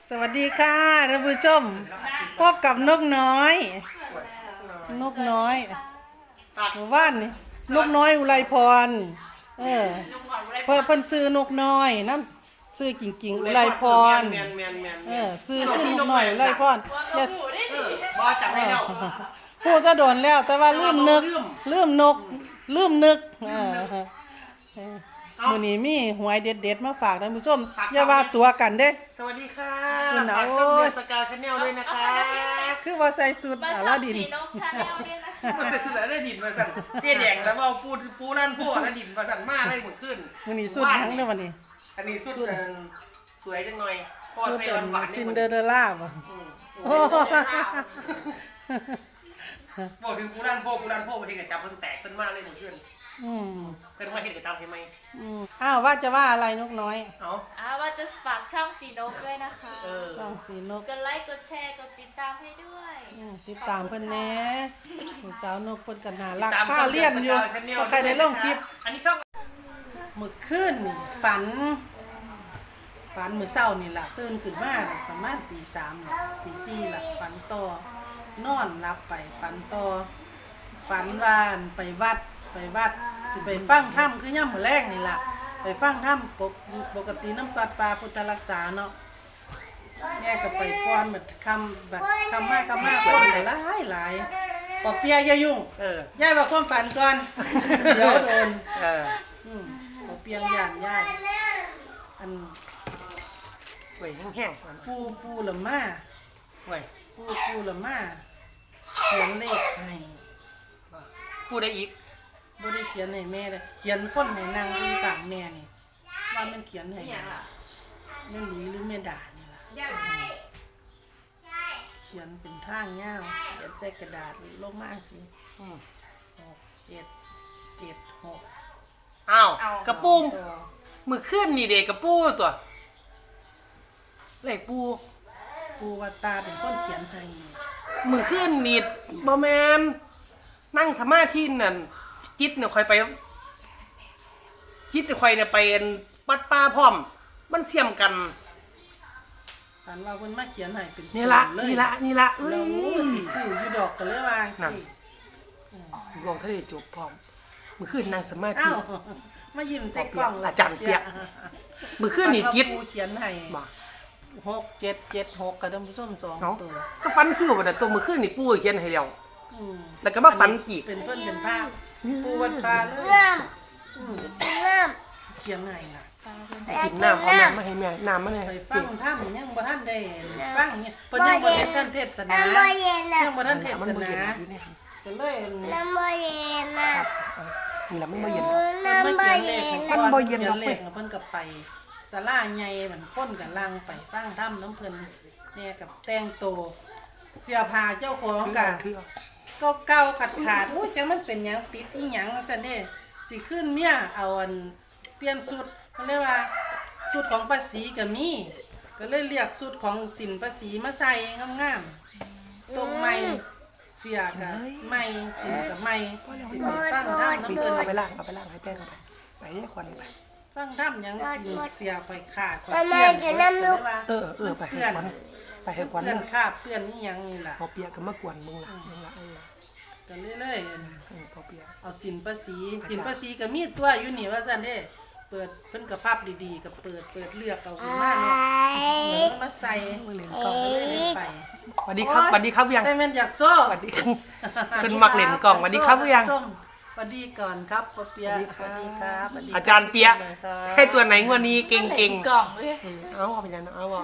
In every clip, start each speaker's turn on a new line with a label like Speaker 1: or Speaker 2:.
Speaker 1: สวัสดีค่ะท่านผู้ชมพบกับนกน้อยหมู่บ้านนี่นกน้อยอุไรพรเพิ่นซื้อนกน้อยน้ำซื้อกิ่งอุไรพรซื้อขึ้นนกน้อยอุไรพรอย่า
Speaker 2: บอจับให้แล้ว
Speaker 1: พูดจะโดนแล้วแต่ว่าลืมนึกมื้อนี้มีหวยเด็ดๆมาฝากท่านผู้ชมอย่าว่าตัวกันเด้
Speaker 2: สวัสดีค่ะคุณเอาสกาวชาแนลด้วยนะคะ
Speaker 1: คือว่าใส่สุด
Speaker 3: อาลาดิน
Speaker 2: มาใส่สุดอาลาดินมาสั่นเจ๊แดงแล้วเอาปูนั่นพวกอาลาดินมาสั่นมาเลยหมดขึ้น
Speaker 1: มื้อนี้สุดทั้งเด้อวันนี้
Speaker 2: อันนี้สุดสวยจังหน่อยพอใส่หวานๆ
Speaker 1: ซินเดอเรลล่าบ่
Speaker 2: บอกถึงปูนั่นพวกมาเห็นกับจับเพิ่นแตกเพิ่นมาเลยหมดขึ้นเป็นว่าเห็นกับจับเห็นไหม
Speaker 1: อ้าวว่าจะว่าอะไรนกน้อย
Speaker 3: ว่าจะฝากช่องสีนกด้วยนะคะ
Speaker 1: ช่องสีนก
Speaker 3: กดไลค์กดแชร์กดติดตามให้ด้วย
Speaker 1: ติดตามเพิ่นแน่สาวนกเพิ่นก็น่ารักค่าเรียนอยู่ใครได้ลงคลิป
Speaker 2: อันนี้ช่อง
Speaker 1: มื้อคืนฝันมื้อเช้านี่ล่ะตื่นขึ้นมาประมาณตี3ล่ะตี4ล่ะฝันต่อนอนหลับไปฝันต่อฝันว่าไปวัดสิไปฟังธรรมคือย่ำมื้อแรกนี่ล่ะไปฟังธรรมปกติน้ำปัดปลาพุทธรักษาเนาะแม่ก็ไปก่อนบัดคำมากคนหลายปอเปียอย่ายุ่งย่ายว่าความฝันก่อนเดี๋ยวโดนปอเปียย่านย่ายอัน
Speaker 2: ไหวแห้งๆ
Speaker 1: ปูละมา
Speaker 2: ไหว
Speaker 1: ปูละมาเขียนเลขให้
Speaker 2: ปูได้อีก
Speaker 1: บ่ได้เขียนให้แม่เลยเขียนคนให้นางอยู่กลางแม่นี่ว่ามันเขียนให้แม่หลุยหรือแม่ด่านี่ล่ะเขียนเป็นทางยาวเขียนใส่กระดาษลงมาสิ6 7 7 6
Speaker 2: อ้าวกระปูมือขึ้นนี่เด็กกระปูตัวเลขปู
Speaker 1: ว่าตาเป็นคนเขียนให้
Speaker 2: มือขึ้นนี่บ่แม่นนั่งสมาธินั่นจิตเนี่ยคอยไปจิตเนี่ยคอยเนี่ยไปวัดป่าพร้อมมันเสี่ยมกัน
Speaker 1: ฝันว่าเพิ่นมาเขียนให้เป็น
Speaker 2: นี่ละเอ้ย
Speaker 1: สิซื้ออยู่ดอกก็เลยว่า
Speaker 2: นั่นลองทะเลจบพร้อมมื้อคืนนั่งสมาธิ
Speaker 1: มายิ้มใส่กล้อง
Speaker 2: อาจารย์เปียมื้อคืนนี่จิต
Speaker 1: เขียนให้6 7 7 6กับท่านผู้ชม2ตัว
Speaker 2: ก็ฝันคือว่าตัวมื้อคืนนี่ปู่เขียนให้แล้วแล้วก็มาฝันอีก
Speaker 1: เป็นเพิ่นเป็นภาพปูวัดปลาเลยเขียนไงล่ะ
Speaker 2: กินน้ำเอาน้ำมาให้แม่น้ำมาให้
Speaker 1: ไปฟังท่านยังบ่ท่านได้ฟังเนี่ยเพิ่นยังบ่ได้ท่านเทศนายังบ่ท่านเทศนาก็เลย
Speaker 4: น้ำบ่เย็นน่ะ
Speaker 2: นี่ล่ะมันบ่เย็น
Speaker 1: มันบ่เย็นเพิ่นก็ไปศาลาใหญ่มันคนกันลังไปฟังธรรมน้ำเพิ่นแม่กับแต่งโตเสื้อผ้าเจ้าของกันก็เก่าขาดโอ้ยจังมันเป็นหยังติดอีหยังซั่นเด้สิขึ้นเมียเอาอันเปลี่ยนชุดเพิ่นเรียกว่าชุดของป้าศรีก็มีก็เลยเรียกชุดของสินป้าศรีมาใส่งามๆตรงไม้เสียก็ไม้สินก็ไม้สินฟังธรรมน้ำเพิ่น
Speaker 2: เอาไปล้างให้แป้งไปให้ควันไป
Speaker 1: ฟังธรรมหยังสิเสียไปขาดเ
Speaker 2: ไปให้ควันไปให้ควัน
Speaker 1: เพื่อนคาบเพื่อนนี่ยังนี่ล่ะ
Speaker 2: พอเปียก็มากวนมึงล่ะ
Speaker 1: ก็เรื่อย
Speaker 2: พอเปีย
Speaker 1: เอาสินภาษีก็มีตัวอยู่นี่ว่าซั่นเด้เปิดเพิ่นก็ภาพดีๆก็เปิดเลือกเอาขึ้นมาเนาะมาใส่เล่นกล่องเลยไป
Speaker 2: สวัสดีครับยัง
Speaker 1: แต่แม่นอยากโซ่
Speaker 2: สวัสดีเพิ่นมักเล่นกล่องสวัสดีครับยัง
Speaker 1: สวัสดีก่อนครับปอเปียสวัสดีครับ
Speaker 2: อาจารย์เปียให้ตัวไหนงวดนี้เก่ง
Speaker 3: กล่องเลย
Speaker 2: เอาไปยังเอาบ่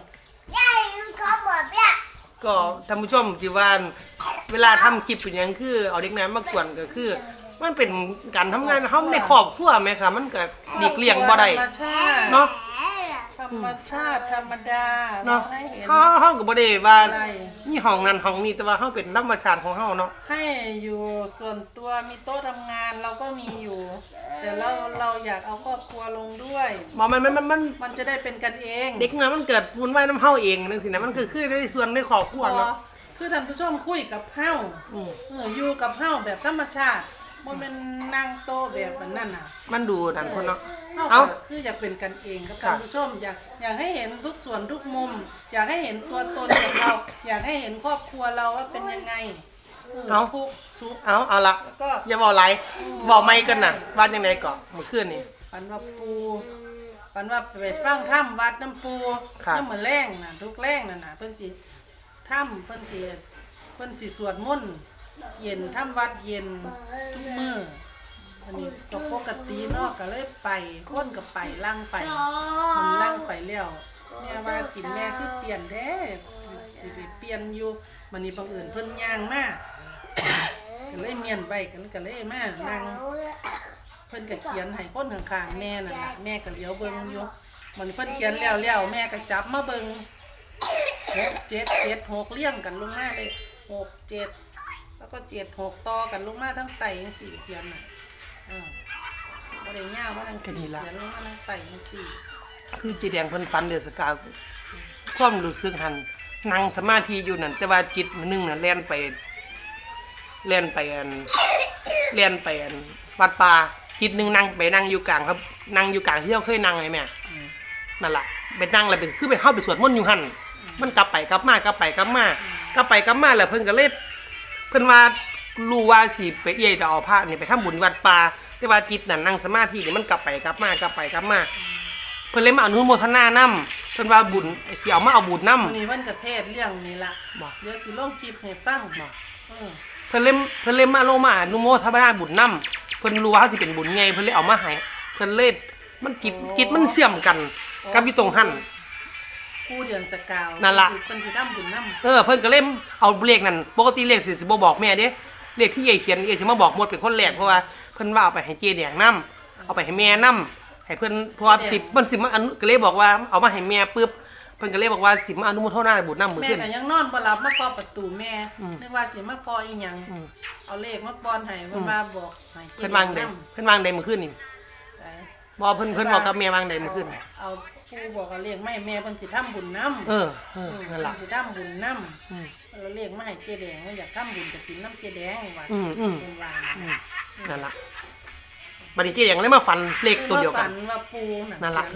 Speaker 4: เปีย
Speaker 2: ก็ท่านผู้ชมสิว่าเวลาทำคลิปเป็นอย่างคือเอาเด็กน้อยมากวนก็คือมันเป็นการทำงานเขาในครอบครัวไหมคะมันก็หลีกเลี่ยงบ่ได้เนาะ
Speaker 1: ธรรมชาติธรรมดา
Speaker 2: เนาะเขาก็บ่ได้ว่านี่ห้องนั้นห้องนี้แต่ว่าเขาเป็นธรรมชาติของเขาเนาะ
Speaker 1: ให้อยู่ส่วนตัวมีโต๊ะทำงานเราก็มีอยู่แต่เราอยากเอาครอบครัวลงด้วยมันจะได้เป็นกันเอง
Speaker 2: เด็กน้อยมันเกิดพูนไว้น้ำเฮาเองนั่นสินะมันคือได้ส่วนในครอบครัวเนาะ
Speaker 1: คือท่านผู้ชมคุยกับเฮาอยู่กับเฮาแบบธรรมชาติบ่แม่นนั่งโต๊ะแบบนั้นน่ะ
Speaker 2: มันดูนั่นคนเนาะ
Speaker 1: เฮา
Speaker 2: เอ้า
Speaker 1: ก็คืออยากเป็นกันเองกับ
Speaker 2: ครั
Speaker 1: ท่า
Speaker 2: บ
Speaker 1: นผู้ชมอยากให้เห็นทุกส่วนทุกมุม อยากให้เห็นตัวตนของเรา อยากให้เห็นครอบครัวเราว่าเป็นยังไงทุกข์สุข
Speaker 2: เอาละ
Speaker 1: แล้วก็
Speaker 2: อย่าบอกไรบอกไม่กันน่ะว่าจังไดก่อนเมื่อคืนนี่
Speaker 1: ฝันว่าไปฟังถ้ำวัดน้ำปู
Speaker 2: ครับ
Speaker 1: น้ำมือแรงน่ะทุกแรงน่ะเพิ่นสิถ้ำเพิ่นสิสวดมนต์เย็นถ้ำวัดเย็นทุกมื้ออันนี้ก็ปกติเนาะก็เลยไปคนก็ไปล่างไปมันล่างไปแล้วแม่ว่าสินแม่คือเปลี่ยนแท้สิไปเปลี่ยนอยู่มันนี่บังเอิญเพิ่นย่างมาก็เลยเมียนไปก็เลยมานั่ง เพิ่นก็เขียนให้คนข้างๆแม่นั่นล่ะแม่ก็เหลียวเบิ่งอยู่มันเพิ่นเขียนแล้วแม่ก็จับมาเบิ่ง6 7 7 6เรียงกันลงมาเลย6 7แล้วก็7 6ต่อกันลงมาทั้งไตจังซี่เขียนน่ะบ่ได้ยาวว่าจังซี่เขียนลงมาทั้งไตจังซี่
Speaker 2: คือจีแดงเพิ่นฝันเดือดสกาวความรู้สึกหันนั่งสมาธิอยู่นั่นแต่ว่าจิตมันนึงน่ะแล่นไปอันวัดป่าจิตนึงนั่งอยู่กลางครับนั่งอยู่กลางที่เราเคยนั่งไงแม่นั่นล่ะไปนั่งแล้วไปคือไปเข้าไปสวดมนต์อยู่หั่นมันกลับไปกลับมาแล้วเพิ่นก็เลยเพิ่นว่ารู้ว่าสิไปเอี้ยจะเอาพระนี่ไปทำบุญวัดป่าแต่ว่าจิตนั่นนั่งสมาธินี่มันกลับไปกลับมาเพิ่นเลยมาอนุโมทนานำเพิ่นว่าบุญสิเอามาเอาบุญนำ
Speaker 1: มื้อนี้เพิ่นก็เทศน์เรื่องนี้ล่ะ
Speaker 2: บ่
Speaker 1: เดี๋ยวสิลงคลิปให้ฟัง
Speaker 2: เพิ่นเล่มมาลงมาอนุโมทนาบุญนำเพิ่นรู้ว่าเขาสิเป็นบุญไงเพิ่นเลยเอามาให้เพิ่นเลยมันจิตมันเชื่อมกันกับอยู่ตรงหั่น
Speaker 1: ผู้เดือนสกาว
Speaker 2: นั่นล่ะ
Speaker 1: เพิ่นสิทำบุญนำ
Speaker 2: เพิ่นก็เล่มเอาเลขนั่นปกติเลขสิบ่บอกแม่เด้เลขที่ยายเขียนสิมาบอกหมดเป็นคนแรกเพราะว่าเพิ่นว่าเอาไปให้เจแดงนำเอาไปให้แม่นำให้เพิ่นเพราะว่ามันสิมาก็เลยบอกว่าเอามาให้แม่ปึ๊บเพิ่นก็เลยบอกว่าสิมาอนุโมทนาบุญนำมื้อ
Speaker 1: แม่
Speaker 2: ขึ้น
Speaker 1: ก็ยังนอนบ่หลับมาเคาะประตูแม่นึกว่าสิมาเคาะอีหยัง
Speaker 2: อืม
Speaker 1: เอาเลขมาป้อนให้มันมาบอกให้
Speaker 2: เพิ่นวางใดมื้อคืนนี่บ่เพิ่นบอกกับแม่วางใดมื้อคืน
Speaker 1: เอาปู่บอกเอาเลขมาให้แม่เพิ่นสิทำบุญนำ
Speaker 2: นั่นล่ะ
Speaker 1: เพิ่นสิทำบุญนำเอาเลขมาให้เจ๊แดงว่าอยากทำบุญกฐินน้ำเจ๊แดงว่าเพิ่นว่า
Speaker 2: นั่นล่ะบัดนี้เจแดงเลยมาฝันเลขตัวเดียวกัน
Speaker 1: ฝันว่าปู่
Speaker 2: นั่นล่ะ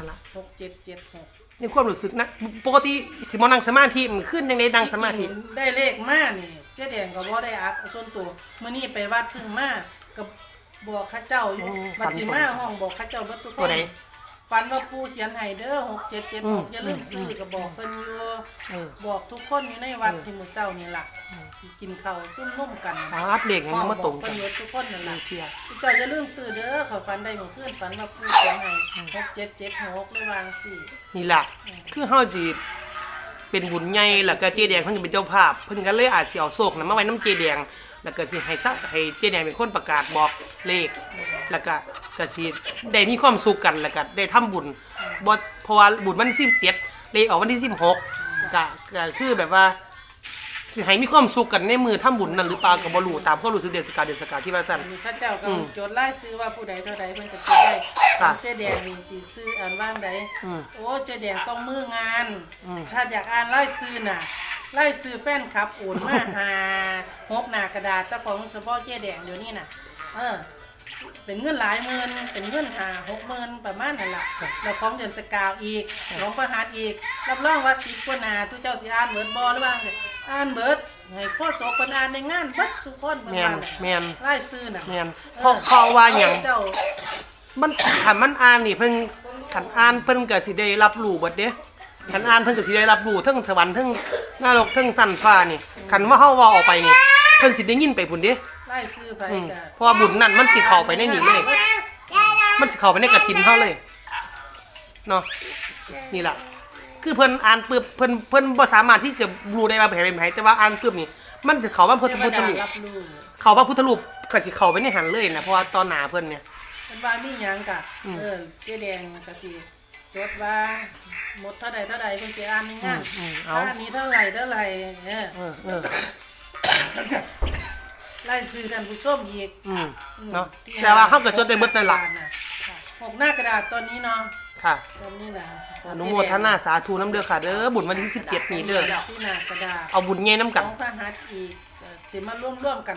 Speaker 1: 6776
Speaker 2: ในความรู้สึกนะปกติสิมานั่งสมาธิมันขึ้นจังได๋นั่งสมาธิ
Speaker 1: ได้เลขมานี่เจ๊แดงก็บ่ได้อักส่วนตัวมื้อนี้ไปวัดเพิ่งมากับบอกข้าเจ้าอยู่บัดสิมาห้องบอกข้าเจ้าเบิดสุข
Speaker 2: ตัวใด
Speaker 1: ฝันว่าปู่เขียนให้เด้อ6776อย่าลืมซื้อก็บอกเพิ่นอยู่ บอกทุกคนอยู่ในวัดที่มื้อเช้านี่ล่ะกินข้าวซุ่มนุ่มกัน
Speaker 2: อัปเดตยังมาตรงกัน
Speaker 1: เพิ่นทุกคนนั่นล่ะ
Speaker 2: เสีย
Speaker 1: เจ้าอย่าลืมซื้อเด้อขอยฝันได้เมื่อคืนฝันว่าปู่เขียนให้6776เลยวางสิ
Speaker 2: นี่ล่ะคือเฮาสิเป็นบุญใหญ่แล้วก็เจแดงเพิ่นก็เป็นเจ้าภาพเพิ่นก็เลยอาจสิเอาโศกนั้นมาไว้นำเจแดงแล้วก็สิให้เจแดงเป็นคนประกาศบอกเลขแล้วก็สิได้มีความสุขกันแล้วก็ได้ทำบุญบ่เพราะว่าบุญวันที่17เลขออกวันที่16ก็คือแบบว่าสิให้มีความสุขกันในมือทำบุญนั่นหรือเปล่าก็บ่รู้ตามความรู้สึกเดือนสกาที่ว่าซั่น
Speaker 1: อันนี้ข้าเจ้าก็จดรายชื่อว่าผู้ใดเท่าใดเพิ่นก็จดได้
Speaker 2: ค่ะ
Speaker 1: เจ๊แดงมีสิซื้ออ่านว่างใด โอ้เจ๊แดงต้องมืองาน
Speaker 2: อืม
Speaker 1: ถ้าอยากอ่านรายชื่อน่ะรายชื่อแฟนคลับโอนมาหา6หน้ากระดาษแต่ของเฉพาะเจ๊แดงเดี๋ยวนี้น่ะเป็นเงินหลายหมื่นเป็นเงิน60,000ประมาณนั่นล่ะแล้วของเดือนสกาวอีกของประหัสอีกรับรองว่า10กว่าหน้าทุกเจ้าสิอ่านเบิดบ่หรือว่าอ่านเบิดให้พ่อโสคนอ่านในงานเบิดทุกคนประ
Speaker 2: แม่
Speaker 1: มาน ณนั้น
Speaker 2: แม่น
Speaker 1: รายชื่อน่ะ
Speaker 2: แม่นเพราะว่าหยัง
Speaker 1: เจ้า
Speaker 2: มันคันมันอ่านนี่เพิ่นคันอ่านเพิ่นก็สิได้รับรู้เบิดเด้คันอ่านเพิ่นก็สิได้รับรู้ทั้งสวรรค์ทั้งนรกทั้งสันฟ้านี่คันว่าเฮาเว้าออกไปนี่เพิ่นสิได้ยินไปพุ่นเด้
Speaker 1: ไล่ซื้อไปก็
Speaker 2: เพราะว่าบุญนั่นมันสิเข้าไปในนี่เลย มันสิเข้าไปในกฐินเฮาเลยเนาะนี่ล่ะคือเพิ่นอ่านปึ๊บเพิ่นบ่สามารถที่จะรู้ได้ว่าไผเป็นไผแต่ว่าอ่านปึ๊บนี่มันสิเข้าว่าพุทธรูป
Speaker 1: รับรู้
Speaker 2: เข้าว่าพุทธรูปก็สิเข้าไปในหันเลยนะเพราะว่าตอนหน้าเพิ่นเนี่ย
Speaker 1: เพิ่นว่ามีหยังกะเจ๊แดงก็สิจดว่าหมดเท่าใดเท่าใดเพิ่นสิอ่านในงานอันนี้เท่าไหร่ไล่ซื้อท่านผู้ชมอีก
Speaker 2: เนาะแต่ว่าเฮาก็จดได้เบิดนั่นล่ะ
Speaker 1: 6หน้ากระดาษตอนนี้เนาะ
Speaker 2: ค่ะ
Speaker 1: ตอนนี้น่ะ
Speaker 2: อนุโมทนาสาธุน้ำเด้อค่ะเด้อบุญวันที่17นี้เด้อ
Speaker 1: สิหน้ากระดาษ
Speaker 2: เอาบุญใหญ่นำกัน
Speaker 1: ของพระหัตถ์อีกสิมาร่วมกันใน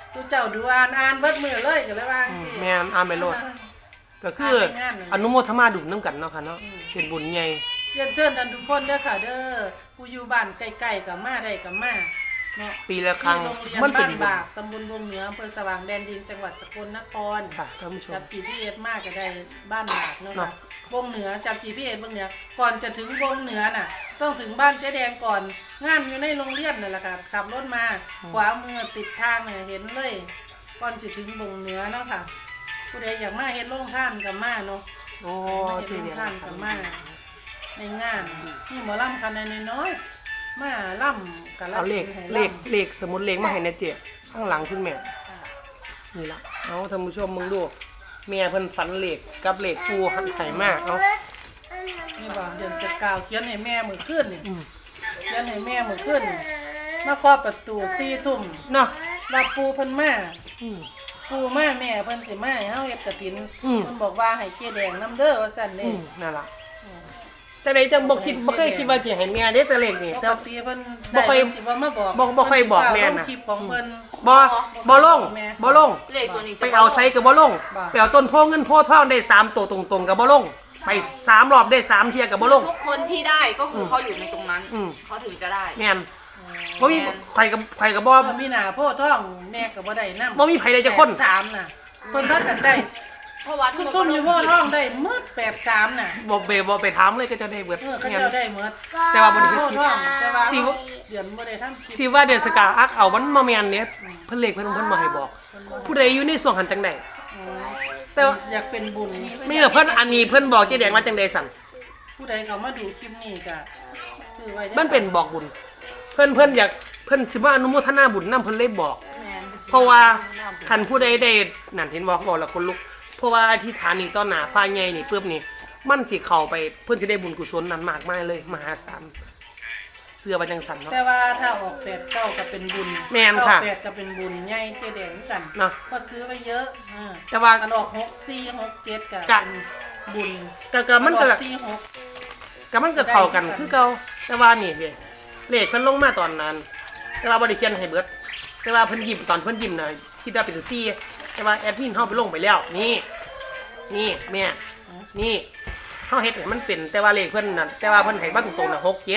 Speaker 1: ดูเจ้าดูอ่านเบิดมือเลยก็เลยว่าจังซี่
Speaker 2: แม่นอ่านไปโลดก็คืออนุโมทนาดุนํกันเนาะค่ะเนาะเป็นบุญใหญ่
Speaker 1: เรียนเชิญท่านทุกคนเด้อค่ะเด้อผู้อยู่บ้านใกล้ๆก็มาได้ก็มาเนาะ
Speaker 2: ปีละครั้ง
Speaker 1: ที่โรงเรียน
Speaker 2: มันเป็
Speaker 1: บ้าน นบากตำบลวงเหนืออำเภอสว่างแดนดินจังหวัดสกลนคร
Speaker 2: ค่ะท่านผู้ชม
Speaker 1: จับ GPS มากก็ได้บ้านบากเนาะ
Speaker 2: เนาะ
Speaker 1: ค่ะวงเหนือจับ GPS วงเหนือก่อนจะถึงวงเหนือน่ะ ต้องถึงบ้านเจ๊แดงก่อนงานอยู่ในโรงเรียนนั่นแหละค่ะขับรถมาขวามือติดทางเนี่ยเห็นเลย ก่อนจะถึงวงเหนือเนาะค่ะ ผู้ใดอยากมาเฮ็ดโรงทานก็มาเนาะ
Speaker 2: โอ้
Speaker 1: มา
Speaker 2: เจ
Speaker 1: เฮ็ดโรง
Speaker 2: เดีย
Speaker 1: ทานก็มาในงานนี่หมอลำคันน้อยๆมาล่ำกันละ
Speaker 2: เอาเลข
Speaker 1: ให้
Speaker 2: เลขสมุดเลขมาให้นะเจ๊ข้างหลังคุณแม่นี่ล่ะเอาท่านผู้ชมมึงดูแม่เพิ่นฝันเลขกับเลขปูหันไห้มากเอา
Speaker 1: นี่บ่เดือนจะกล่าวเขียนให้แม่มื้อคืนนี่
Speaker 2: อืม
Speaker 1: เขียนให้แม่มื้อคืนนี่มาเคาะประตู4 ทุ่ม
Speaker 2: เนาะ
Speaker 1: ว่าปูเพิ่นมา
Speaker 2: อืม
Speaker 1: ปูมาแม่เพิ่นสิมาให้เฮาเฮ็ดกฐิน
Speaker 2: อืม
Speaker 1: เพิ่นบอกว่าให้เจ๊แดงนํเด้อว่าซั่น
Speaker 2: อื
Speaker 1: เด้
Speaker 2: มนั่นล่ะจังได๋จังบ่เคยคิดว่าสิให้แม่เด้แต่เลขนี่
Speaker 1: ป
Speaker 2: แต่
Speaker 1: กติเพิ่น
Speaker 2: บ่ค่อย
Speaker 1: ได้เพิ่นสิบ่มาบอก
Speaker 2: บ่ค่อยบอกแม่น่ะ
Speaker 1: เพิ่สิฟ้าลงคลิปของเพิ่น
Speaker 2: บ่ลง
Speaker 1: แม่
Speaker 2: บ่ลง
Speaker 3: เลขตัวนี้
Speaker 2: ไปเอาไซก็บ่ลง
Speaker 1: บ่
Speaker 2: ไปเอาต้นโพเงินโพทองได้3ตัวตรงๆก็บ่ลงไป3รอบได้3เที่ยก็บ่ลง
Speaker 5: ทุกคนที่ได้ก็คือเขาอยู่ในตรงนั้น
Speaker 2: อืม
Speaker 5: เขาถึงจะได้
Speaker 2: แม่นบ่มีใครก็บ่
Speaker 1: เพิ่นมีหน้าโพธิ์ทองแม่ก็บ่ได้นำ
Speaker 2: บ่มีไผได้จักคน
Speaker 1: 3น่ะเพิ่นพากันได้
Speaker 5: เพราะว่า
Speaker 1: ซุ่มๆอยู่โพธิ์ทองได้หมด83น่ะ
Speaker 2: บ่ไปถามเลยก็จะได้เบิด
Speaker 1: เขาเจ้าได้หมด
Speaker 2: แต่ว่าบ่ได้
Speaker 1: โพ
Speaker 2: เฮ็ด
Speaker 1: ธิ์
Speaker 2: คลิ
Speaker 1: ท
Speaker 2: ป
Speaker 1: องแต่ว่า
Speaker 2: สิ
Speaker 1: เดือนบ่ได้ทำคลิป
Speaker 2: สิว่าเดือนสกาอักเอามันบ่แม่นเนี่ยเพิ่นเลขเพิ่นมาให้บอก ผู้ใดอยู่ในส่วนหันจังได๋แต่ว่า
Speaker 1: อยากเป็นบุญ
Speaker 2: เมื่อเพิ่นอันนี้เพิ่นบอกเจ๊แดงว่าจังได๋สั่น
Speaker 1: ผู้ใดเขามาดูคลิปนี้ก็ซื้อไว้ได้
Speaker 2: มันเป็นบอกบุญ เพิ่นอยากเพิ่นสิมาอนุโมทนาบุญนํเพิ่นเลยบอก เพราะว่าคันผู้ใดได้นั่นเห็นบอกแล้วคนลุกเพราะว่าอธิษฐานนี่ต่อหน้าพระใหญ่นี่ปึ๊บนี่มันสิเข้าไปเพิ่นสิได้บุญกุศลนั้นมากมายเลยมหาศาลเสื้อว่าจังซั่นเนาะ
Speaker 1: แต่ว่าถ้าออก8 9ก็เป็นบุญ
Speaker 2: แม่นค่ะ
Speaker 1: 8ก็เป็นบุญใหญ่เจ๊แดงกัน
Speaker 2: เนาะ
Speaker 1: ก็ซื้อไว้เยอะ
Speaker 2: แต่ว่า
Speaker 1: อันออก6 4 6 7ก็
Speaker 2: กะ
Speaker 1: เป็นบุญ
Speaker 2: ก็มันก็
Speaker 1: ออก4 6
Speaker 2: ก็มันก็เข้ากันคือเก่าแต่ว่านี่เด้เลขเพิ่นลงมาตอนนั้น แต่ว่าบ่ได้เขียนให้เบิดแต่ว่าเพิ่นยิ้มตอนเพิ่นยิ้มน่ะคิดว่าเป็น4แต่ว่าแอดมินเฮาไปลงไปแล้ว นี่แม่นี่เฮาเฮ็ดให้มันเป็นแต่ว่าเลขเพิ่นน่ะแต่ว่าเพิ่นให้มาตรงๆน่ะ6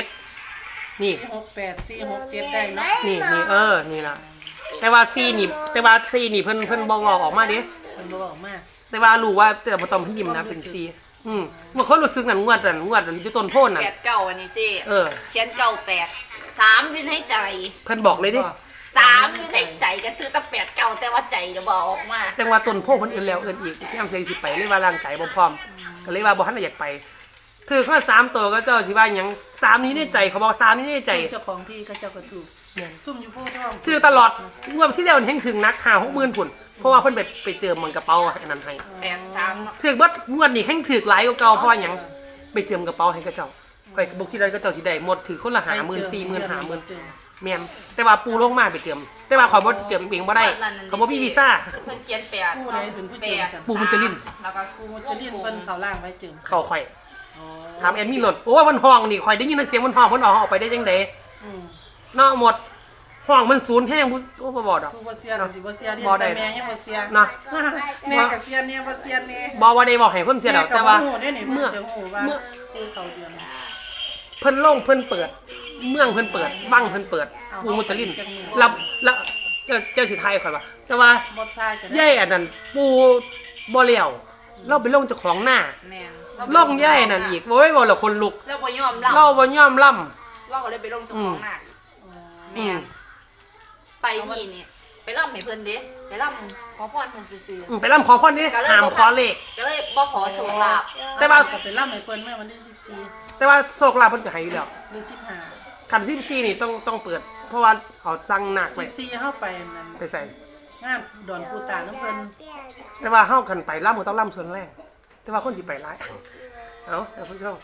Speaker 2: 7นี่
Speaker 1: 4 6 8 4 6 7ได้เนาะ
Speaker 2: นี่นี่ล่ะแต่ว่า4นี่เพิ่นบ่เว้าออกมาเด้
Speaker 1: เพิ่นบ่ออกมา
Speaker 2: แต่ว่ารู้ว่าแต่บ่ต้องเพิ่นยิ้มนะเป็น4บ่คนรู้สึกนั่นงวดนั้นอยู่ต้นโพนน่ะ
Speaker 5: แปดเก่าอันนี้เจ๊
Speaker 2: เออ
Speaker 5: เขียนเก่า8 3วินให้ใจ
Speaker 2: เพิ่นบอกเลยเด้
Speaker 5: 3วินให้ใจก็ซื้อตั้ง8เก่าแต่ว่าใจจะบอกออกมา
Speaker 2: จังว่าต้นโพเพิ่นเอิ้นแล้วเอิ้นอีกยามเสียงสิไปเลยว่าร่างกายบ่พร้อมก็เลยว่าบ่ทันได้อยากไปถือข้อ3ตัวก็เจ้าสิว่าหยัง3นี้ในใจเขาบอก3นี้ในใจ
Speaker 1: เจ้าของที่เขาเจ้าก็ถูกซุ่มอยู่โพธิ์ทอง
Speaker 2: ถือตลอดงวดที่แล้วเห็นถึงนัก5-60,000พุ่นเพราะว่าเพิ่นไปเจอมันกระเป๋าอันนั้นให้
Speaker 5: 8 3
Speaker 2: ถือเบิดงวดนี้แห่งถือหลายกว่าเก่าเพราะว่าหยังไปเจิมกระเป๋าให้กับเจ้าข่อยก็บ่คิดว่าเขาเจ้าสิได้หมดถือคนละ50,000 40,000 50,000 แม่นแต่ว่าปูลงมาไปเจิมแต่ว่าขอยบ่เจิมเองบ่ได้เขาบ่มีวีซ่า
Speaker 5: เพิ่นเขียน8
Speaker 1: ผู้ใดเป็นผู้เจิมสัน
Speaker 2: ปู่มุจลิน
Speaker 5: แล้วก็
Speaker 1: ผู้จะเรียนเพิ่นเขาล่างไว้เจิม
Speaker 2: เข้าข่อย
Speaker 1: อ๋อ
Speaker 2: ถามแอดมินโหลดโอ้มันห้องนี่ข่อยได้ยินเสียงมันห้องเพิ่นออกไปได้จังได๋
Speaker 1: อืม
Speaker 2: เนาะหมดห้องมันศูนย์แห้งบ่บ่ดอก
Speaker 1: ผู้บ่เสียก็สิบ่เสียเรียน
Speaker 2: บ่ได้
Speaker 1: แต่แม่ยังบ่เสีย
Speaker 2: เนาะ
Speaker 1: แม่ก็เสียเนี่ยบ่เสียเนี่ย
Speaker 2: บ่ว่าได้บอกให้เพิ่นเสียดอกแต่ว่า
Speaker 1: แม่ก็บ่ฮู้เด้นี่เพิ่
Speaker 2: เมื่
Speaker 1: น
Speaker 2: อ
Speaker 1: จะฮู้ว่า
Speaker 2: เมื่อ
Speaker 1: ผู้เขาเดือน
Speaker 2: เพิ่นลงเพิ่นเปิด เมืองเพิ่นเปิดวังเพิ่นเปิดปูมุจลินแล้วเจ้าสิทายข่อยว่าแต่ว่า
Speaker 1: บ่ทายก็ได้
Speaker 2: ย่ายอันนั้นปูบ่แล้วเราไปลงเจ้าของหน้า
Speaker 5: แม่น
Speaker 2: ลงย่ายนั่นอีกโอ้ยบ่ละคนลุก
Speaker 5: แล้วบ่ยอมรับ
Speaker 2: เราบ่ยอมล่ำ
Speaker 5: เราก็เลยไปลงเจ้าของหน้า
Speaker 1: อ๋อ
Speaker 5: แม่นไปนี่ไปร่ำให้เพิ่นเด้ไปร่ำขอพรเพิ่นซื่อ
Speaker 2: ไปล่ำขอพรนี่
Speaker 5: ๆก็เลย
Speaker 2: ห้ามขอเลข
Speaker 5: ก็เลยบ่ขอโชคลาภ
Speaker 2: แต่ว่า
Speaker 1: ก็ไปรับให้เพิ่นแม่วันที่14
Speaker 2: แต่ว่าโชคลาภเพิ่นก็ให้อยู่แล้ว
Speaker 1: หรือ15
Speaker 2: คัน14นี่ต้องเปิด เพราะว่าเอาสั่งหนักไว้
Speaker 1: 14เฮาไปนั่น
Speaker 2: ไปใส่
Speaker 1: งานดอนปูตาน้ำเพิ่น
Speaker 2: แต่ว่าเฮาคันไปล่ำก็ต้องล่ำส่วนแรกแต่ว่าคนสิไปหลายเอาท่านผู้ชม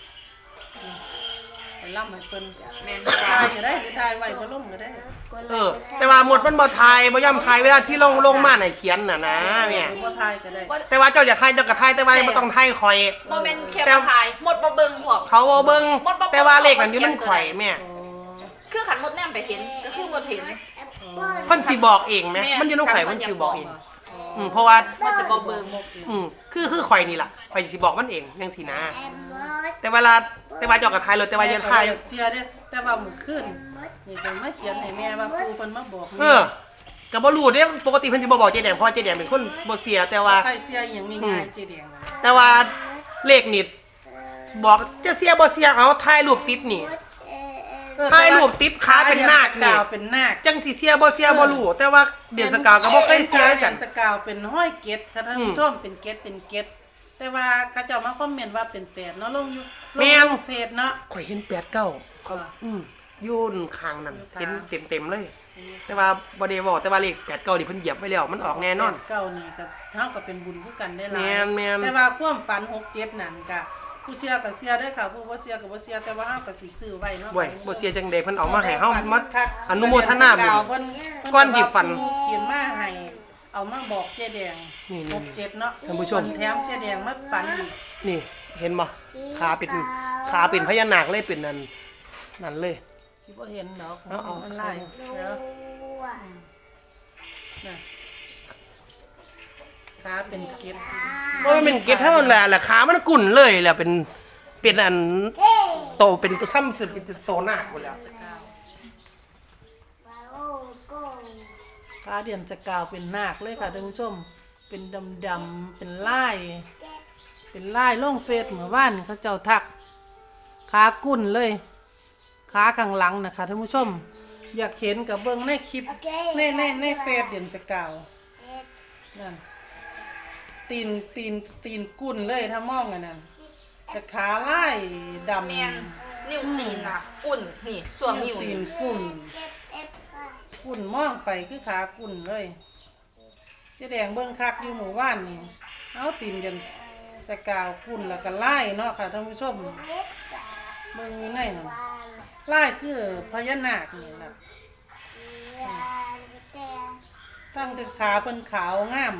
Speaker 1: ไปรับให้เพิ่น
Speaker 5: แม่น
Speaker 1: ทายก็ได้หรือทายไว้บ่ลงก็ได้
Speaker 2: แต่ว่าหมดมันบ่ทายบ่ย่ำทายเวลาที่ลงมาไหนเขียนน่ะนะแม่
Speaker 1: หรือบ่ทายก็ได้
Speaker 2: แต่ว่าเจ้าอย่าทายเจ้าก็ทายแต่ว่าบ่ต้องทายข่อย
Speaker 5: บ่แม่นแค่มาถ่ายหมดบ่เบิ่งพร้อม
Speaker 2: เขาบ่เบิ่งแต่ว่าเลขนั้นอยู่มันข่อยแม่
Speaker 1: อ๋อ
Speaker 5: คือขันหมดแนมไปเห็นก็คือหมดเห็น
Speaker 1: โอ้
Speaker 2: เพิ่นสิบอกเองไหมมันอยู่ในข่อยเพิ่นสิบอกเองเพราะว่า
Speaker 5: มันจะบ่เบิ่ง
Speaker 2: คือข่อยนี่ล่ะข่อยสิบอกมันเองจังซี่นะแต่เวลาเจ้าก็ทายเลยแต่ว่าอย่าทาย
Speaker 1: อยากเสียเด้แต่ว่ามื้อคืนนี่ก็มาเขียนให้แม่ว่าปู่เพิ่นมาบอก
Speaker 2: ก็บ่รู้เด้ปกติเพิ่นสิบ่บอกเจ๊แดงเพราะเจ๊แดงเป็นคนบ่เสียแต่ว่า
Speaker 1: ใครเสียอหย่างง่ายๆเจแดงนะ
Speaker 2: แต่ว่าเลขนี่บอกจะเสียบ่เสียเอาถ่ายรูปติดนี่ถ่ายรูปติดขาเป็นนาค
Speaker 1: กา
Speaker 2: นี่
Speaker 1: วเป็นนาค
Speaker 2: จังสิเสียบ่เสียบ่รู้แต่ว่าเดือนสกาวก็บ่เคยเสียกั
Speaker 1: เดื
Speaker 2: น
Speaker 1: อนสกาวเป็นห้อยเกตค่ะท่านผู้ชมเป็นเกตแต่ว่าเขาเจ้ามาคอมเมนต์ว่าเป็น8เนาะลงอยู่ลงเฟซเนาะ
Speaker 2: ข่อยเห็น89เขาอยู่ข้างนั้นเห็นเต็มๆเลย แต่ว่าบ่ได้บอกแต่ว่าเลข89นี่เพิ่นเหยียบไว้แล้วมันออกแน่นอน
Speaker 1: เก้านี่ก็เท่ากับเป็นบุญคือกันได้หลาย
Speaker 2: แม่น
Speaker 1: แต่ว่าความฝัน67นั่นก็ผู้เชื่อก็เชื่อได้อค่ะผู้บ่เชื่อก็บ่เชื่อแต่ว่าเฮาก็สิซื้อไว้เนาะ
Speaker 2: บ่เสียจังได๋เพิ่นเอามาให้เฮามา
Speaker 1: คัก
Speaker 2: อนุโมทนาบุญ
Speaker 1: เพิ่น
Speaker 2: ก้อนดิบฝัน
Speaker 1: เขียนมาให้เอามาบอกเจ๊แดง
Speaker 2: นี่
Speaker 1: 67เนาะ
Speaker 2: ท่านผู้ชม
Speaker 1: แถมเจ๊แดงมาฝันอีก
Speaker 2: นี่เห็นบ่ขาเป็นพญานาคเลยเป็นนั่นเลย
Speaker 1: สิบ่เห็นดอก
Speaker 2: เอา
Speaker 1: มันไล่แล้วน่ะขาเป็นเกล็ด
Speaker 2: บ่แม่นเก็บเท่านั้นแหละขามันกุ่นเลยแหละเป็นอันโตเป็นซ้ำสิเป็นโตหน้าหมดแล้ว
Speaker 1: ขาเดียนจะกาวเป็นนาคเลยค่ะท่านผู้ชมเป็นดำๆเป็นลายลงเฟซเมื่อวานนี่เขาเจ้าทักขากุ่นเลยขาข้างหลังนะคะท่านผู้ชม อยากเห็นกับเบิ่งในคลิปในเฟซเดียนจะกาวนั่นตีนกุ่นเลยถ้ามองอันนั้นแต่ขาลายดำ
Speaker 5: แม่นนิ้วตีนน่ะอุ่นนี่ส่วงนิ้ว
Speaker 1: ตี
Speaker 5: นี่
Speaker 1: นกุ่นมองไปคือขากุ่นเลยเจ๊แดงเบิ่งคักอยู่หมู่บ้านนี่เอาตีนยันจะกาวกุ่นแล้วก็ไล่เนาะค่ะท่านผู้ชมเบิ่งอยู่ในนั่นไล่คือพญานาคนี่ล่ะตั้งแต่ขาเป็นขาวงาม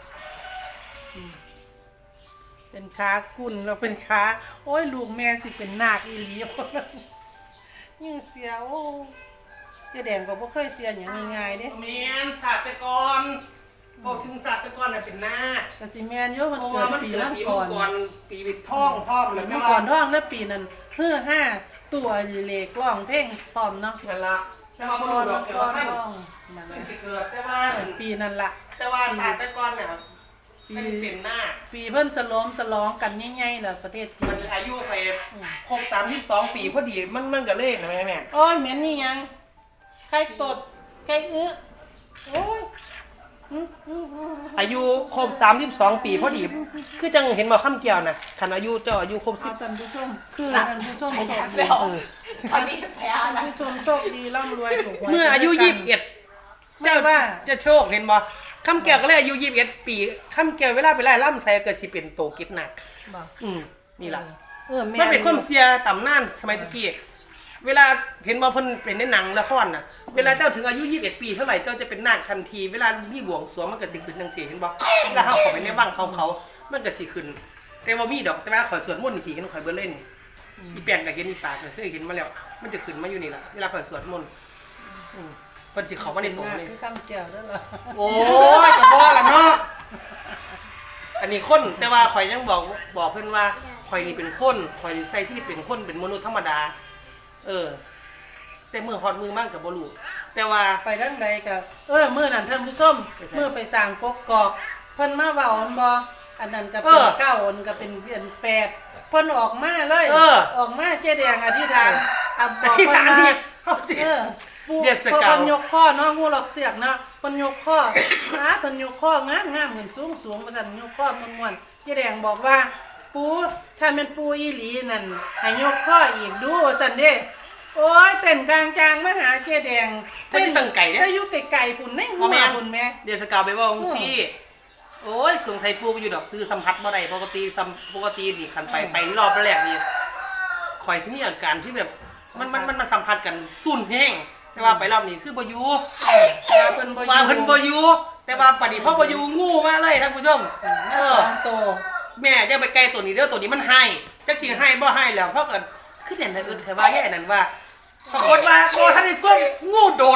Speaker 1: เป็นขากุ่นแล้วเป็นขาโอ้ยลูกแม่สิเป็นนาคอีหลี ยิ่งเสียวเจ๊แดงก็บ่เคยเสียอย่างง่ายๆเด้
Speaker 2: แม่นศาสตรกรบอกถึงศาสตรกรน่ะเป็นหน้า
Speaker 1: ก็สิแม่นอยู่มัน
Speaker 2: เพราะ
Speaker 1: เกิ
Speaker 2: ว่า
Speaker 1: ด
Speaker 2: มัน
Speaker 1: ปี
Speaker 2: เกิด
Speaker 1: ละ
Speaker 2: ปี
Speaker 1: ก่อน
Speaker 2: ก่อนปีวิดท่องพร้อมแล้ว
Speaker 1: เมื่อก่อนท้องแล้วปีนั้น5ตัวเลขร้องเพลงพร้อมเนาะ
Speaker 2: นั่นล่ะแต่ว่าบ่รู้ดอกแต่ว่าท่าน
Speaker 1: ร้องนั่น
Speaker 2: มัน
Speaker 1: ล่ะ
Speaker 2: สิเกิดแต่ว่า
Speaker 1: ปีนั้นล่ะ
Speaker 2: แต่ว่าศาสตรกรเนี่ยมันเป็นหน้า
Speaker 1: ปีเพิ่นฉลองกันใหญ่ๆแล้วประเทศจี
Speaker 2: มัน
Speaker 1: น
Speaker 2: อายุไปครบ32 ปีพอดีมันก็เลยนะแม่
Speaker 1: โอ้ยเหม็นนี่ยังใครตดใครโอ้ย
Speaker 2: อายุครบ32 ปีพอดีคือจังเห็นบ่คำเกี่ยวน่ะคันอายุเจ้าอายุครบ
Speaker 1: เอาท่านผู้ชมคือ
Speaker 5: น่ะ
Speaker 1: ท่านผู้ชม
Speaker 5: ให้
Speaker 1: โช
Speaker 5: แถ
Speaker 1: ค
Speaker 5: ม
Speaker 1: ดี
Speaker 5: แล้วตอนนี้แพ้
Speaker 1: ท่าน
Speaker 5: นะ
Speaker 1: ผู้ชมโชคดีร่ำรวยถูกหวย
Speaker 2: เมื่ออายุ21เจ้า
Speaker 1: ว่า
Speaker 2: จะโชคเห็นบ่คำแก้วก็เลยอายุ21ปีคำแก้วเวลาไปไล่ล่ำใส่เกิดสิเป็นโตกิจหนัก
Speaker 1: บอก
Speaker 2: นี่ล่ะ
Speaker 1: แม่
Speaker 2: มันเป็นความเสียตำนานสมัยตะกี้เวลาเห็นว่าเพิ่นเป็นในหนังละครน่ะเวลาเจ้าถึงอายุ21ปีเท่าไหร่เจ้าจะเป็นนาคทันทีเวลามีบวงสรวงมันก็สิขึ้นจังซี่เห็นบ่เวลาเฮาเข้าไปในบ้านเขามันก็สิขึ้น แต่ว่ามีดอกแต่ว่าขอยสวดมนต์นี่สิเห็นข่อยเบิ่เล่นนี่อีแป้งก็เห็นอีปากก็เคยเห็นมาแล้วมันจะขึ้นมาอยู่นี่ล่ะเวลาข่อยสวดมนต์เพิ่นสิเข้ามาในตรงนี้
Speaker 1: คือคำแก้วนั่นล่ะ
Speaker 2: โอ้ยก็บ่ล่ะเนาะอันนี้คนแต่ว่าข่อยยังบอกเพิ่นว่าข่อยนี่เป็นคนข่อยใส่ที่เป็นคนเป็นมนุษย์ธรรมดาแต่มือฮอดมือมั่งกับบ่รู้แต่ว่า
Speaker 1: ไปทางใดก็มื้อนั้นท่านผู้ชม
Speaker 2: ไปไส
Speaker 1: มื้อไปสร้างกกอกเพิ่นมาเว้าอันบ่อันนั้นก็เป็นเก้าอันก็เป็นเดือน8เพิ่นออกมาเลยออกมาเจ๊แดงอธิษฐานบอก
Speaker 2: ที่
Speaker 1: เพิ่น
Speaker 2: ทาง
Speaker 1: ว่า
Speaker 2: เนี่ยเฮาสิ
Speaker 1: ปู่
Speaker 2: เดือนส
Speaker 1: เพิ่
Speaker 2: กาว
Speaker 1: นยกข้อเนาะฮู้หลอกเสียกเนาะเพิ่นยกข้อเพิ่นยกข้องามๆเหมือนสูงๆว่าซั่นยกข้อม่วนๆเจ๊แดงบอกว่าปู่ถ้าแม่นปู่อีหลีนั่นให้ยกข้ออีกดูว่าซั่นเด้โอ้ยเต้นกลางจางมาหาเจ๊แดง
Speaker 2: เพิ่นสิตั้งไก่เด้
Speaker 1: แต่อยู่ไกลๆพุ่นในหัวพุ่นแม่
Speaker 2: เดือนสกาวไปเว้าจังซี่โอ้ยสงสัยปูไปอยู่ดอกซื้อสัมผัสบ่ได้ปกตินี่คันไปรอบแรกนี่ข่อยสิมีอาการที่แบบมันมาสัมผัสกันสุ่นแห้งแต่ว่าไปรอบนี้คือบ่อยู่
Speaker 1: ว่าเพิ่นบ่
Speaker 2: ว่าเพิ่นบ่อยู่แต่ว่าปานนี้พอบ่อยู่งูมาเลยท่านผู้ชม
Speaker 1: สองโต
Speaker 2: แม่อย่าไปไกลตัวนี้เด้อตัวนี้มันให้จักสิให้บ่ให้แล้วเพราะกันคือเห็นแต่ว่าแย่นั่นว่าปรากฏว่าบ่ทันได้ปุ๊บงูโดด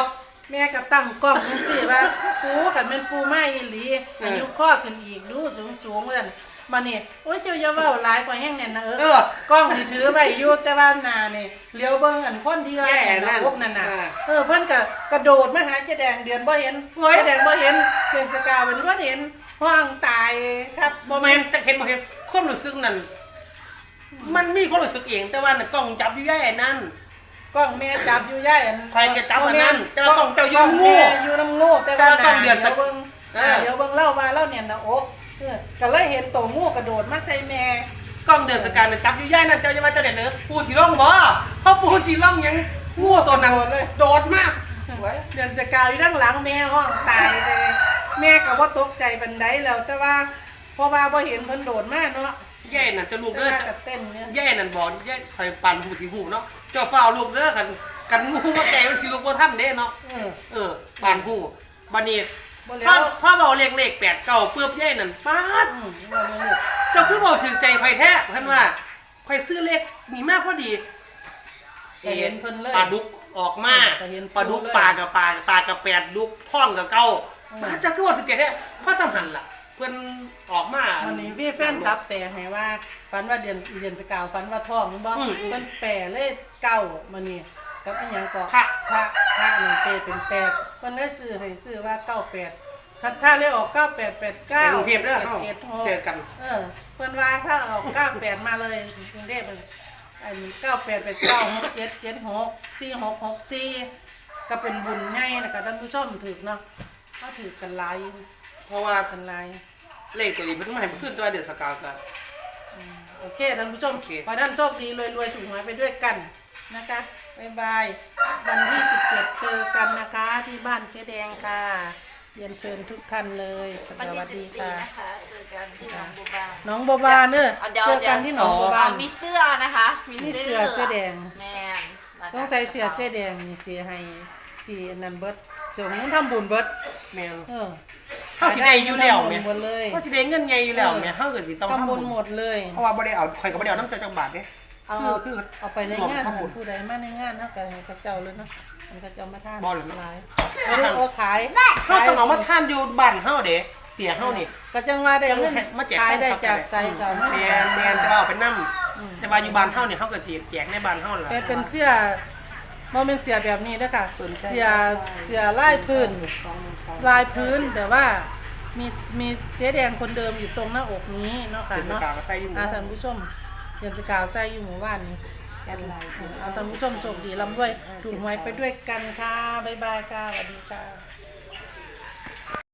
Speaker 1: แม่ก็ตั้งกล้องจังซี่ว่าปูคันแม่นปูไม้อีหลีอายุข้อขึ้นอีกดูสูงๆซั่นมานี่โอ้ยเจ้าอย่าเว้าหลายกว่าแห้งแน่นนะกล้องนี่ถือไว้อยู่แต่ว่าหน้านี่เลี้ยวเบิ่งอันคนที่ว่าพวกนั้นน่ะเพิ่นก็กระโดดมาหาเจ๊แดงเดือนบ่เห็นเจ๊แดงบ่เห็นเพิ่นสกาวเป็นบ่เห็นห้องตายครับ
Speaker 2: บ่แม่นจักเห็นบ่เห็นความรู้สึกนั้นมันมีความรู้สึกเองแต่ว่าน่ะกล้องจับอยู่ย่ายนั่น
Speaker 1: กล้องแม่จับอยู่ย่ายอัน
Speaker 2: ใครจะจับอันนั้นแต่ว่ากล้องเจ้าอยู่งู
Speaker 1: แม่อยู่น้ำงูแต่ว่า
Speaker 2: ต้องเดือดสัก
Speaker 1: เบิ่งเดี๋ยวเบิ่งเล่าว่าเล่าเนี่ยนะโอ๊ก็เลยเห็นตัวงูกระโดดมาใส่แม่
Speaker 2: กล้องเดือนสกาวน่ะจับอยู่ย่ายนั่นเจ้าอย่ามาเจ้าเด็ดเด้อปูสิร้องบ่เพราะปูสิร้องหยังงูตัวนั้นโดดมาก
Speaker 1: เดือนสกาวอยู่ด้านหลังแม่ห้องตายเลยแม่ก็บ่ตกใจบันไดแล้วแต่ว่าเพราะว่าบ่เห็นเพิ่นโดดมาเนาะ
Speaker 2: ย่ายนั่นจะลูก
Speaker 1: แต่
Speaker 2: เด้อ
Speaker 1: ว่า
Speaker 2: จะ
Speaker 1: ก็เต้นเนี่ย
Speaker 2: ย่ายนั่นบอกย่ายคอยปั่นหูสิหูเนาะเจ้าฟ้าวลูกเด้อกันงูมาแก่มันสิลูกบ่ทันเด้เนาะปั่นหูบัดนี้
Speaker 1: บ่แล้ว
Speaker 2: พ่อเบาเลข8 9ปึ๊บย่ายนั่นป๊าด
Speaker 1: บ่เลย
Speaker 2: เจ้าคือบอกถึงใจไฟแท้ท่านว่าไฟซื้อเลขนี่มากพอดี
Speaker 1: ก็เห็นเพิ่นเลย
Speaker 2: ปลาดุกออกมา
Speaker 1: ก็เห็น
Speaker 2: ปลาดุก
Speaker 1: เลย
Speaker 2: ปลากับ8ดุกท่องกับเก้าเจ้าคือบอกถึงใจแท้เพราะสำคัญล่ะเพิ่นออกมา
Speaker 1: วันนี้พี่แฟนครับแปลให้ว่าฝันว่าเดือนสกาวฝันว่าท้องมันบ่เพิ่นแปลเลยเก้ามื้อนี้กับอีหยังก็พระนี่เปเป็น8เพิ่นเลยซื้อให้ซื้อว่า98ถ้าเลยออก9889
Speaker 2: แต่กรุงเทพเด้อเฮาเจอกัน
Speaker 1: เพิ่นว่าถ้าออก98มาเลยกรุงเทพอัน988967764664ก็เป็นบุญใหญ่นะคะท่านผู้ชมถูกเนาะเขาถือกันหลาย
Speaker 2: เพราะว่า
Speaker 1: กันหลาย
Speaker 2: เลขตัวนี้เพิ่นมาให้ขึ้นตัวเดือนสกาวกัน
Speaker 1: โอเคท่านผู้ชม
Speaker 2: โอเค
Speaker 1: ขอให้ท่านโชคดีรวยๆถูกหวยไปด้วยกันนะคะบ๊ายบายวันที่17เจอกันนะคะที่บ้านเจ๊แดงค่ะเรียนเชิญทุกท่านเลยส
Speaker 5: วัน
Speaker 1: วัส
Speaker 5: ที่
Speaker 1: ดี
Speaker 5: 14
Speaker 1: ค่ะ
Speaker 5: นะคะเจอกันที่หนองบัวบาน
Speaker 1: น้องบัวบานเนอะ
Speaker 5: เดี๋ยว
Speaker 1: เจอกันที่หนองบัวบาน
Speaker 5: มีเสื้อนะคะ
Speaker 1: มีเสื้อเจ๊แดง
Speaker 5: แม่นแล้วก็
Speaker 1: ต้องใส่เสื้อเจ๊แดงนี่เสียให้สีนันเบิดเจ้าเงินทำบุญเบิด
Speaker 2: แม่น
Speaker 1: เออ
Speaker 2: เฮาสิได้อยู่แล้ว
Speaker 1: ทำบุ
Speaker 2: แม่
Speaker 1: ญหมดเลย
Speaker 2: เฮาสิได้เงินใหญ่อยู่แล้วแม่เฮาก็สิต้อง
Speaker 1: ทำ
Speaker 2: ทำ
Speaker 1: บุ
Speaker 2: บุ
Speaker 1: ญ
Speaker 2: ญ
Speaker 1: หมดเลย
Speaker 2: เพราะว่าบ่ได้เอาข่อยก็บ่ได้เอาน้ำใจจังบาทเด้ คือ
Speaker 1: เอาไปในงาน
Speaker 2: ทำบุญ
Speaker 1: ผู้ใดมาในงานเนาะก็ให้เขาเจ้าเลยเนาะมันก็เจ้ามาทาน
Speaker 2: บ่เลยเนาะ
Speaker 1: หลายโอ้ขาย
Speaker 2: เฮาต้องเอามาทานอยู่บ้านเฮาเด้เสียเฮานี่
Speaker 1: ก็จังว่าได้เงิน
Speaker 2: มาแจก
Speaker 1: ขายได้
Speaker 2: แฟนคลับ
Speaker 1: จากใส่เก่ามา
Speaker 2: แม่นแต่ว่าเอาไปนำแต่ว่าอยู่บ้านเฮานี่เฮาก็สิแจกในบ้านเฮาล่ะ
Speaker 1: เป็นเสื้อบ่แม่นเสื้อแบบนี้เด้อค่ะ
Speaker 2: สนใจ
Speaker 1: เสื้อลายพื้นลายพื้นแต่ว่ามีเจ๊แดงคนเดิมอยู่ตรงหน้าอกนี้เนาะค่ะ
Speaker 2: เป็นส
Speaker 1: เนาะ
Speaker 2: กาวก็ใส่อยู่หมู่
Speaker 1: ท่านผู้ชมเดือนสกาวใส่อยู่หมู่บ้านนี้เอาท่านผู้ชมโชคดีร่ำรวยถูกหวยไปด้วยกันค่ะบ๊ายบายค่ะสวัสดีค่ะ